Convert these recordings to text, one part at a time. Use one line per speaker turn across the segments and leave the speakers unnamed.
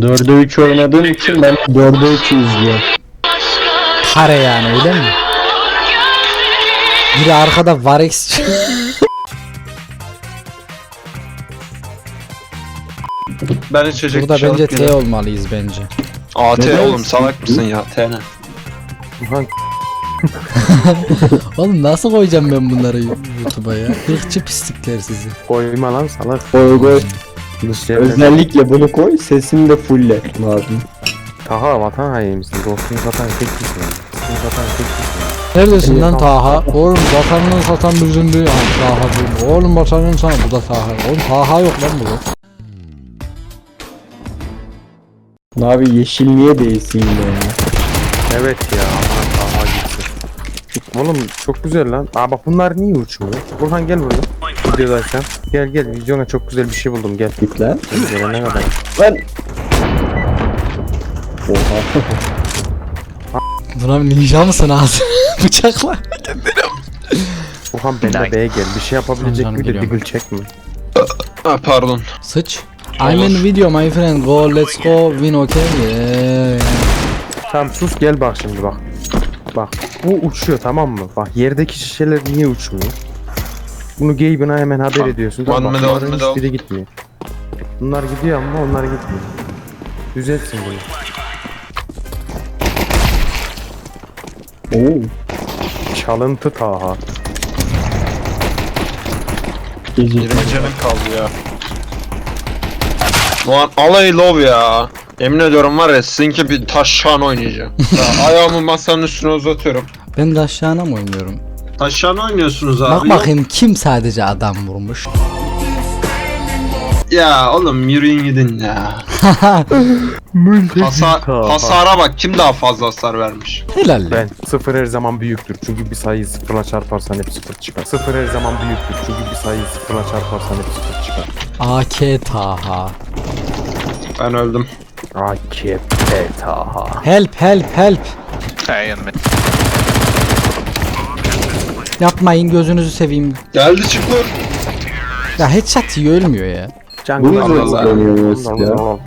4'e 3 oynadığım için ben 4'e 3'ü izliyorum.
Kare yani öyle mi? Biri arkada Varex.
Ben içecek
Burada
bir şey
bence
alıp
T
geliyorum.
olmalıyız bence.
AT
Neden?
oğlum salak mısın ya? T ne?
Oğlum nasıl koyacağım ben bunları YouTube'a ya? Hırçı pislikler sizi.
Koyma lan salak.
Koy koy.
Dışarıda.
Özellikle bunu koy, sesini de fulle lazım.
Taha vatan haini misin? Dostunu satan tek kişi mi? Dostunu satan tek kişi mi?
Neredesin lan Taha? Oğlum vatanını satan bizim değil. Taha değil. Oğlum vatanını sana bu da Taha. Oğlum Taha yok lan burada.
Abi yeşil niye değilsin ya?
Evet ya aman Taha gitsin. Oğlum çok güzel lan. Aa bak bunlar niye uçmuyor? Burhan gel buraya. Videodaysan. Gel gel videona çok güzel bir şey buldum gel.
Git lan.
Gelene kadar.
Lan. Oha.
Buna bir ninja mısın ağzı? Bıçakla.
Burhan ben de B'ye gel. Bir şey yapabilecek
Canım
bir de
geliyorum.
diggle çekme.
Ha pardon.
Sıç. I'm in video my friend. Go let's go win okay. Yeah.
Tamam sus gel bak şimdi bak. Bak bu uçuyor tamam mı? Bak yerdeki şişeler niye uçmuyor? Bunu Gabe'ına hemen haber ediyorsun. Tamam,
One
bak,
medal,
bunların
medal.
hiçbiri gitmiyor. Bunlar gidiyor ama onlar gitmiyor. Düzeltsin bunu.
Oo.
Çalıntı Taha.
Gece.
20 canım kaldı ya. Ulan alay love ya. Emin ediyorum var ya sizinki bir taşşan oynayacağım. Ya, ayağımı masanın üstüne uzatıyorum.
Ben de aşağına mı oynuyorum?
Taşşan oynuyorsunuz abi.
Bak bakayım kim sadece adam vurmuş.
Ya oğlum yürüyün gidin ya. Hasara bak kim daha fazla hasar vermiş.
Helal.
Ben sıfır her zaman büyüktür çünkü bir sayıyı sıfırla çarparsan hep sıfır çıkar. Sıfır her zaman büyüktür çünkü bir sayıyı sıfırla çarparsan hep sıfır çıkar.
AK Taha.
Ben öldüm.
AKP Taha.
Help help help. Yapmayın gözünüzü seveyim.
Geldi çıktı.
Ya headshot yiyor ölmüyor ya.
Bunu
Allah
da
Allah.
izlemiyoruz ya.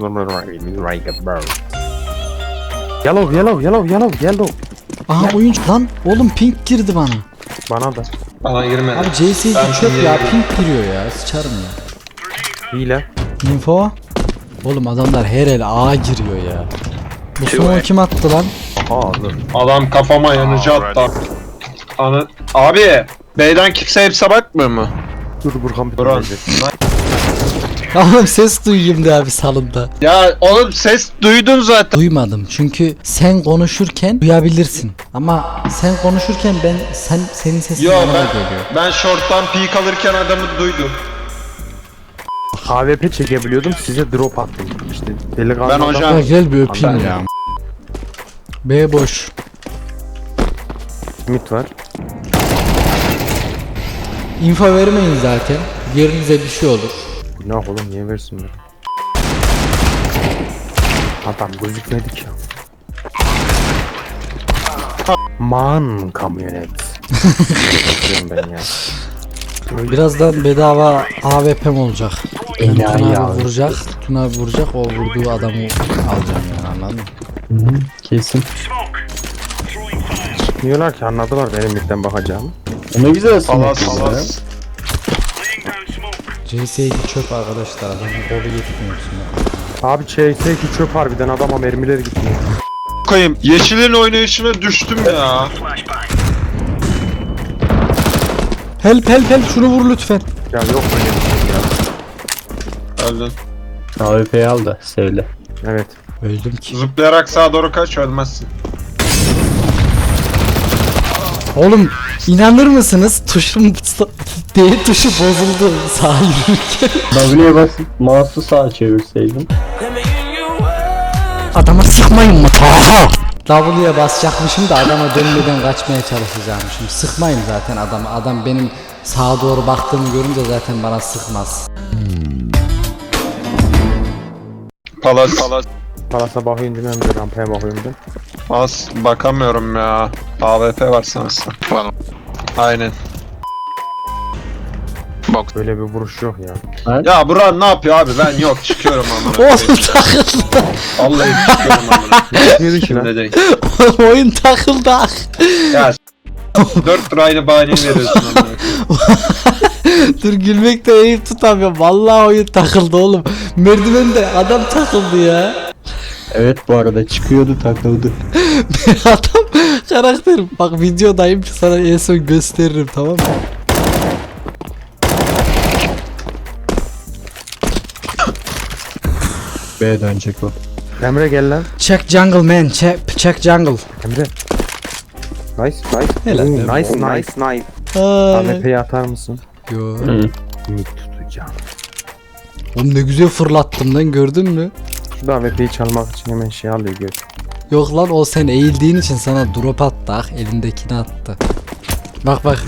Yellow.
Aha oyuncu lan oğlum pink girdi bana.
Bana da.
Bana girmedi.
Abi CS'yi
Ben
çöp ya
yedim.
pink giriyor ya sıçarım ya.
Hile.
Info. Oğlum adamlar her el A giriyor ya. Bu smoke kim attı lan?
Aha dur.
Adam kafama yanıcı attı. Abi B'den kimse hepsi bakmıyor mu?
Dur Burhan bir
Buran.
Oğlum ses duyayım da abi salonda.
Ya oğlum ses duydun zaten.
Duymadım çünkü sen konuşurken duyabilirsin. Ama sen konuşurken senin sesin
Yo
bana
ben,
geliyor.
ben short'tan peek alırken adamı duydum.
AWP çekebiliyordum size drop attım. İşte delikanlı
Ben
adam-
hocam-
Ya gel bir öpeyim
Ben-
ya. B boş.
Mid var.
Info vermeyin zaten. Yerinize bir şey olur.
Günah oğlum niye versinler? Adam gözükmedik ya. Man kamyonet. Diyorum ben ya.
Birazdan bedava AWP'm olacak. Ben
Enayi
Tuna
abi.
abi vuracak. Tuna abi vuracak. O vurduğu adamı alacağım yani anladın mı?
Hı, kesin.
Diyorlar ki anladılar benim midden bakacağımı.
Ne güzel
Palas
sanatçı ya.
palas.
CS2 çöp arkadaşlar. Adamın kolu yetmiyor şimdi.
Abi CS2 çöp harbiden adama mermiler gitmiyor.
Koyayım yeşilin oynayışına düştüm ya.
Help help help şunu vur lütfen.
Ya yok böyle bir şey ya.
Öldün.
AWP'yi al da söyle.
Evet.
Öldüm ki.
Zıplayarak sağa doğru kaç ölmezsin.
Oğlum inanır mısınız? D tuşu bozuldu sağ yürürken.
W'ye basıp mouse'u sağa çevirseydim.
Adama sıkmayın mı? Taha! W'ye basacakmışım da adama dönmeden kaçmaya çalışacakmışım. Sıkmayın zaten adamı. Adam benim sağa doğru baktığımı görünce zaten bana sıkmaz.
Palas palas.
Palasa bakayım değil mi? Hem de rampaya bakayım değil mi?
Az bakamıyorum ya. AWP var sanırsam. Aynen.
Böyle bir vuruş yok ya.
Ya Buran ne yapıyor abi? Ben yok çıkıyorum amına.
Oğlum takıldı.
Vallahi çıkıyorum amına.
Yürü ki lan.
Şimdi değil.
Oyun takıldı.
Ya 4 tur aynı bahaneyi veriyorsun amına.
Dur gülmekten eğip tutamıyorum. Vallahi oyun takıldı oğlum. Merdivende adam takıldı ya.
Evet bu arada çıkıyordu takıldı.
Adam karakterim. Bak videodayım sana en son gösteririm tamam mı?
B'ye dönecek o.
Emre gel lan.
Check jungle man. Check jungle.
Emre. Nice.
Helal.
Nice.
Ay.
AWP'yi atar mısın?
Yo.
Mid tutacağım.
Oğlum ne güzel fırlattım lan gördün mü?
Şu da AWP'yi çalmak için hemen şey alıyor gör.
Yok lan o sen eğildiğin için sana drop attı. Ah elindekini attı. Bak bak.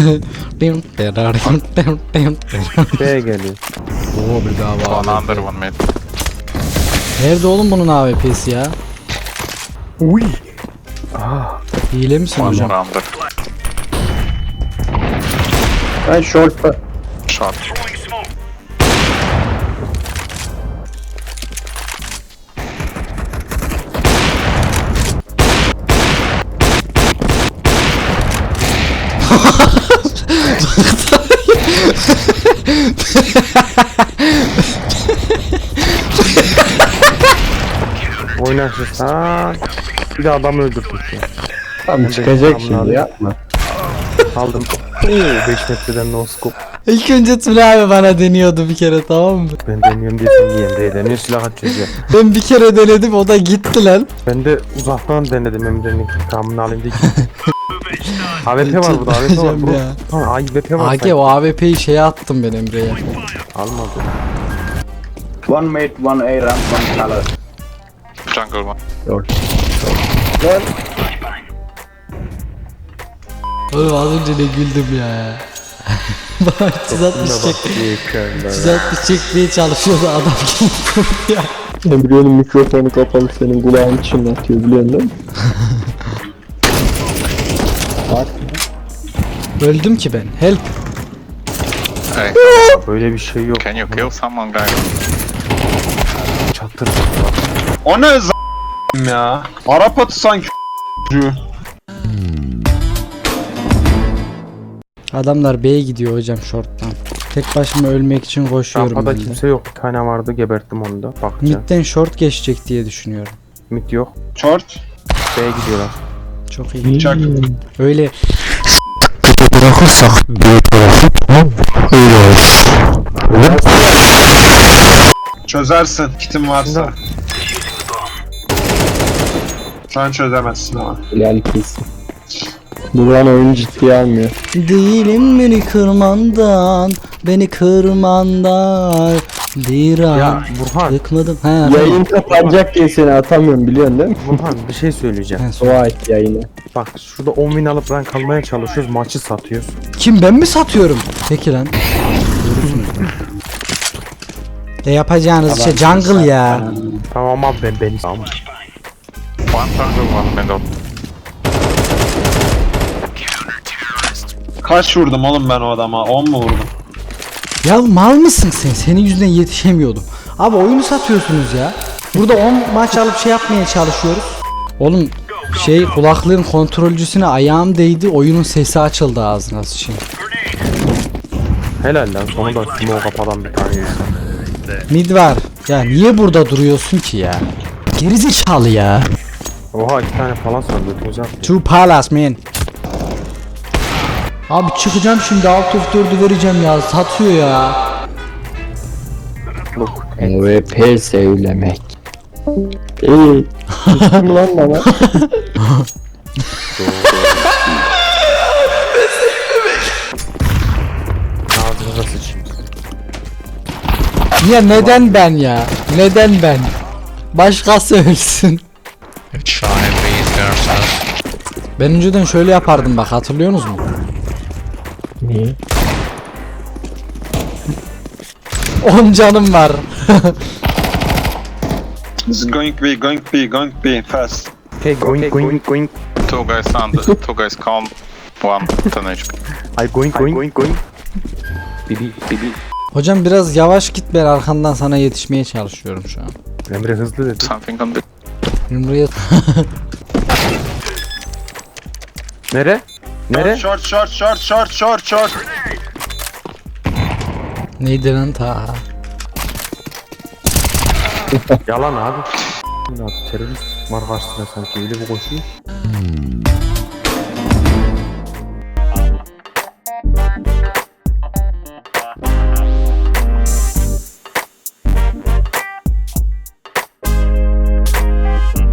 B'ye geliyor.
Oo bir daha var.
One under, one mid.
Nerede oğlum bunun AWP'si ya?
Uy.
Hile misin
One
hocam?
more under.
Ben short'ta.
Shot.
Oynarsın. Ha. Bir de adam öldürdük ya.
Tam çıkacak şimdi yapma.
Aldım. 5 metreden no scope.
İlk önce Tuna abi bana deniyordu bir kere tamam mı?
Ben deniyorum diye sen niye Emre'ye deniyor silah atıyor ya.
Ben bir kere denedim o da gitti lan.
Ben de uzaktan denedim Emre'nin intikamını alayım diye. AWP var burada AWP var
Çıldıracağım
bro.
ya.
Ha AWP var.
AG o AWP'yi şeye attım ben Emre'ye.
Almadı.
One mate, one A ramp, one color.
Jungle one.
Short.
Oğlum az önce ne güldüm ya. Bana 360 çekmeye çalışıyordu adam gibi vurdu ya.
Emre'nin mikrofonu kapalı senin kulağın çınlatıyor biliyorsun değil mi? Bak.
Öldüm ki ben. Help.
Hey,
Böyle bir şey yok.
can you kill someone, guys?
Çatır.
O ne ya? Arap atı sanki.
Adamlar B'ye gidiyor hocam short'tan. Tek başıma ölmek için koşuyorum
Rampada
ben de.
kimse yok. Bir tane vardı geberttim onu da. Bakacağım.
Mid'den short geçecek diye düşünüyorum.
Mid yok.
Short.
B'ye gidiyorlar.
Çok iyi.
Çak.
Öyle
Çözersin kitin varsa. Şu an çözemezsin ama.
Hilal kesin. Buran oyunu ciddiye almıyor.
değilim beni kırmandan, beni kırmandan bir an
Ya Burhan.
yıkmadım. Ha,
Yayın kapanacak diye seni atamıyorum biliyorsun değil mi?
Burhan bir şey söyleyeceğim.
Dua et yayını.
Bak şurada 10 win alıp rank almaya çalışıyoruz. Maçı satıyoruz.
Kim ben mi satıyorum? Peki lan. Yapacağınız şey jungle ya.
Tamam abi ben tamam.
One jungle, one middle.
Kaç vurdum oğlum ben o adama? 10 mu vurdum?
Ya mal mısın sen? Senin yüzünden yetişemiyordum. Abi oyunu satıyorsunuz ya. Burada 10 maç alıp şey yapmaya çalışıyoruz. Oğlum şey kulaklığın kontrolcüsüne ayağım değdi. Oyunun sesi açıldı ağzına sıçayım.
Helal lan sonunda smoke kapadan bir tane insan.
Mid var. Ya niye burada duruyorsun ki ya? Gerizekalı ya.
Oha 2 tane falan sandı. Güzel.
Two palace man. Abi çıkacağım şimdi alt of 4'ü vereceğim ya. Satıyor ya.
Look.
MVP söylemek. İyi. Kim lan bana?
Ağzınıza sıçayım.
Ya neden ben ya? Neden ben? Başkası ölsün. Ben önceden şöyle yapardım bak hatırlıyorsunuz mu?
Niye?
10 canım var.
It's going B, going B, going B, fast.
Hey going.
Two guys under, two guys calm, one 10 HP.
I going.
Hocam biraz yavaş git, ben arkandan sana yetişmeye çalışıyorum şu an.
Emre hızlı dedi.
Something on the
Buraya
Nere? Nere?
Short short short short short short.
neydi lan ta?
Yalan abi. Terörist var karşısında sanki öyle bir koşuyor.